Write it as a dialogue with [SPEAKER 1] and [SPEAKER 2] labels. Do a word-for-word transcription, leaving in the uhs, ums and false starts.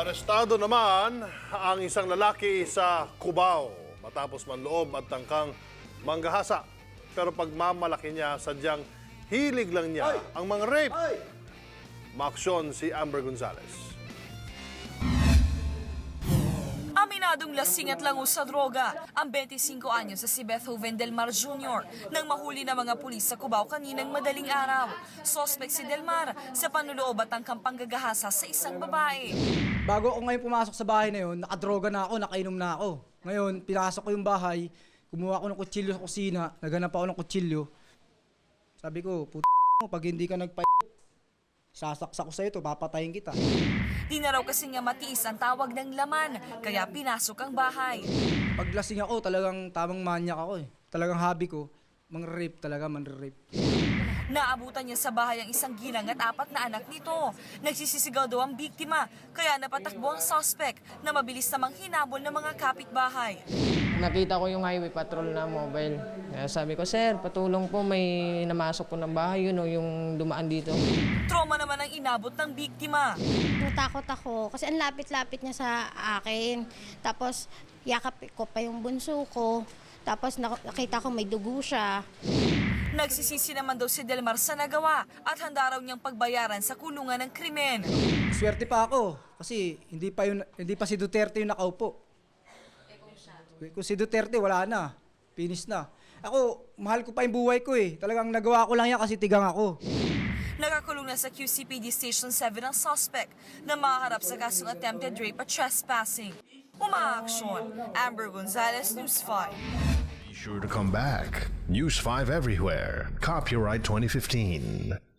[SPEAKER 1] Arestado naman ang isang lalaki sa Cubao matapos manloob at tangkang manggahasa. Pero pagmamalaki niya, sadyang hilig lang niya ang mga rape. Maaksyon si Amber Gonzalez.
[SPEAKER 2] Aminadong lasing at lango sa droga ang twenty-five anyos sa si Bethoven Del Mar Junior nang mahuli ng mga pulis sa Cubao kaninang madaling araw. Suspect si Del Mar sa panloloob at tangkang panggagahasa sa isang babae.
[SPEAKER 3] Bago ako ngayon pumasok sa bahay na yun, nakadroga na ako, nakainom na ako. Ngayon, pinasok ko yung bahay, kumuha ako ng kutsilyo sa kusina, naghanap ako ng kutsilyo. Sabi ko, puto mo, pag hindi ka nagpa... sasaksak ko sa ito, papatayin kita.
[SPEAKER 2] Di na raw kasi nga matiis ang tawag ng laman, kaya pinasok ang bahay.
[SPEAKER 3] Pag lasing ako, talagang tamang manyak ako eh. Talagang hobby ko, mang-rape talaga, man-rape.
[SPEAKER 2] Naabutan niya sa bahay ang isang ginang at apat na anak nito. Nagsisisigaw daw ang biktima, kaya napatakbo ang suspect na mabilis namang hinabol ng mga kapitbahay.
[SPEAKER 4] Nakita ko yung highway patrol na mobile. Kaya sabi ko, sir, patulong po, may namasok po ng bahay, yun o, yung dumaan dito.
[SPEAKER 2] Trauma naman ang inabot ng biktima.
[SPEAKER 5] Natakot ako kasi ang lapit-lapit niya sa akin. Tapos yakap ko pa yung bunso ko. Tapos nakita ko may dugo siya.
[SPEAKER 2] Nagsisisi naman daw si Delmar sa nagawa at handa raw niyang pagbayaran sa kulungan ng krimen.
[SPEAKER 3] Swerte pa ako, kasi hindi pa, yun, hindi pa si Duterte yung nakaupo. Kung si Duterte, wala na. Finish na. Ako, mahal ko pa yung buhay ko eh. Talagang nagawa ko lang yan kasi tigang ako.
[SPEAKER 2] Nakakulong na sa Q C P D Station seven ang suspect na maharap sa kasong attempted rape at trespassing. Umaaksyon, Amber Gonzalez, News five.
[SPEAKER 6] Be sure to come back. News five everywhere. Copyright twenty fifteen.